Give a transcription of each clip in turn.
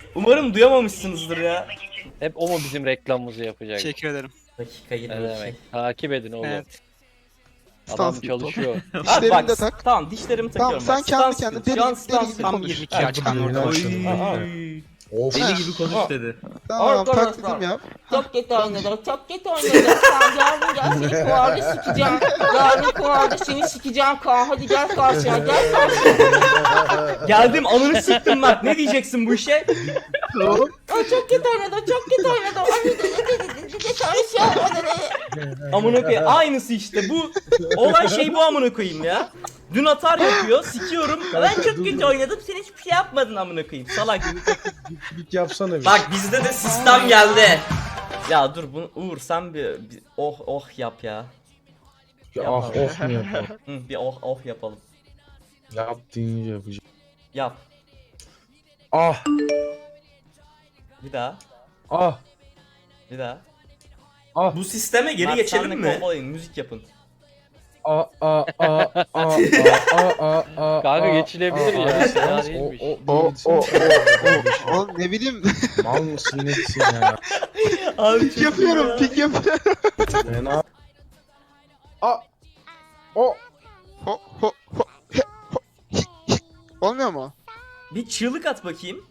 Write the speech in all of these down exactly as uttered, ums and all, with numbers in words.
Umarım duyamamışsınızdır ya. Hep o mu bizim reklamımızı yapacak? Teşekkür ederim. Dakika Ne yirmi iki. demek? Takip edin oğlum. Evet. Adam Stans gibi çalışıyor. Abi Dişlerini bak, de tak. tamam dişlerimi Tamam, takıyorum. sen bak. kendi Stans kendine gibi. deli- Şu an deli stans gibi tam konuş. yirmi iki Her açık. gün yayına başladım. Oy. Of. Deli gibi konuş dedi. Tamam Arkadaşlar. taklidim yap. Çok kötü oynadı, çok kötü oynadı. Sen yarın gel seni kuvarda sikeceğim. Yarın kuvarda seni sikeceğim Kaan. Hadi gel karşıya, gel karşıya. Geldim, ananı siktim Mert. Ne diyeceksin bu işe? O çok kötü oynadı, çok kötü oynadı. Ay dedi dedi dedi dedi karşıya dedi. Amına koyayım. Aynısı işte bu. Olan şey bu amına koyayım ya. Dün atar yapıyor, sikiyorum. Ben çok kötü oynadım, sen hiçbir şey yapmadın amına koyayım. Salak. Bir yapsana bir. Bak bizde de sistem geldi. Ya dur bunu Uğur sen bir, bir oh oh yap ya. Ya, ah of mu yapalım? Hı, bir oh oh yapalım. Yap deyince yapacağım. Yap. Ah Bir daha. ah Bir daha. ah Bu sisteme geri Mert, geçelim senle mi? kovboyun, müzik yapın. ah ah ah ah ah ah ah. Kanka ah, geçilebilir ah, ya, ah, fena ah, değilmiş. O O o o o. o Oğlum ne bileyim. Mal mısın nesin ya? Abi Pik yapıyorum pik yapıyorum. Fena. Ah. O. Ho ho ho he, ho hi, hi. Olmuyor mu? Bir çığlık at bakayım.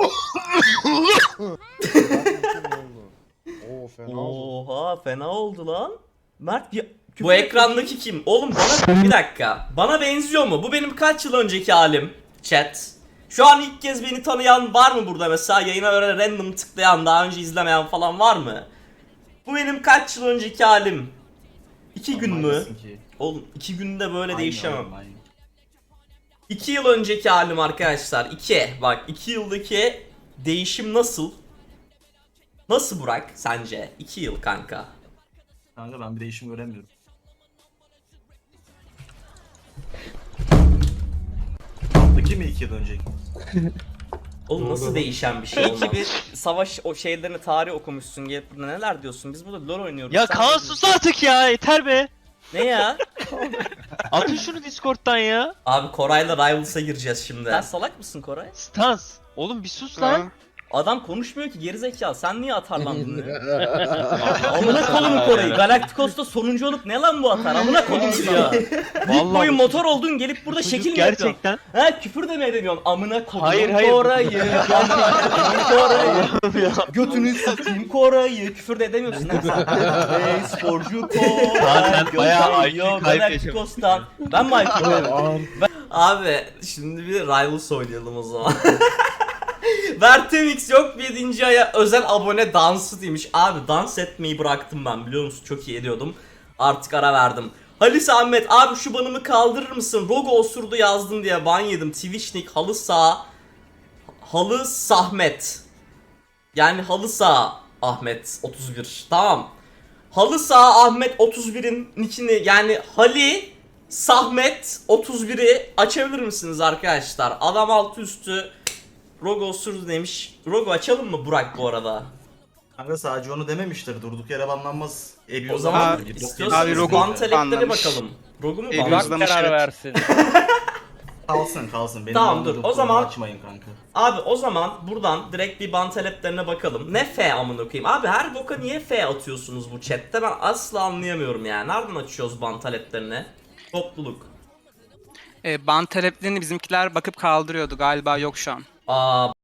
Oo fena oldu. Oha fena oldu lan. Mert bir bu ekrandaki kim? Oğlum bana bir dakika. Bana benziyor mu? Bu benim kaç yıl önceki halim. Chat. Şu an ilk kez beni tanıyan var mı burada mesela? Yayına böyle random tıklayan, daha önce izlemeyen falan var mı? Bu benim kaç yıl önceki halim. İki gün mü? Oğlum iki günde böyle değişemem. İki yıl önceki halim arkadaşlar. İki. Bak iki yıldaki değişim nasıl? Nasıl Burak sence? iki yıl kanka. Kanka ben bir değişim göremiyorum. Alttaki mi iki yıl önceki? Oğlum nasıl değişen bir şey olmaz? İyi ki bir savaş o şeylerini tarih okumuşsun, gelip burada neler diyorsun? Biz burada LoL oynuyoruz. Ya sen Kaan ne sus diyorsun? artık ya, yeter be. Ne ya? Atın şunu Discord'dan ya. Abi Koray'la Rivals'a gireceğiz şimdi. Sen salak mısın Koray? Stans. Oğlum bir sus lan. Ha. Adam konuşmuyor ki gerizekalı. Sen niye atarlandın ya? Amına kolum Koray'ı. Galacticos'ta sonuncu olup ne lan bu atar? Amına kolum ya. Vallahi Boyun bu motor oldun gelip burada çocuk şekil mi yapıyorsun? gerçekten. Ha küfür demeye deniyorsun. Amına kolum Hayır, hayır. Koray'ı. Amına Koray'ı. Götünü satayım Koray'ı. Küfür de edemiyorsun lan sen. Ey sporcu Koray. Zaten bayağı I Q Yok, kaybı Galacticos'tan. Ben mi I Q kaybı? Ağır. Abi şimdi bir Rivals oynayalım o zaman. Vertemix yok yedinci aya özel abone dansı demiş. Abi dans etmeyi bıraktım ben, biliyor musun? Çok iyi ediyordum. Artık ara verdim. Halis Ahmet abi şu banımı kaldırır mısın? Rogo osurdu yazdın diye ban yedim. Twitchnik halı sağ. Halı Sahmet. Yani halı sağ Ahmet otuz bir. Tamam. Halı sağ Ahmet otuz birin nickini yani Hali Sahmet otuz biri açabilir misiniz arkadaşlar? Adam altı üstü Rogo osurdu demiş. Rogo açalım mı Burak bu arada? Kanka sadece onu dememiştir. Durduk yere banlanmaz. O zaman Abi, istiyorsanız abi Rogo ban talepleri banlamış. bakalım. Rogo mu E, ban? Burak Uzlamış, karar evet. versin. Kalsın kalsın. Benim Tamam, banladığım dur. O konuyu zaman- açmayın kanka. Abi o zaman buradan direkt bir ban taleplerine bakalım. Ne F amına koyayım? Abi her boka niye F atıyorsunuz bu chatte? Ben asla anlayamıyorum yani. Nereden açıyoruz ban taleplerini? Topluluk. E, ban taleplerini bizimkiler bakıp kaldırıyordu. Galiba yok şu an. Aa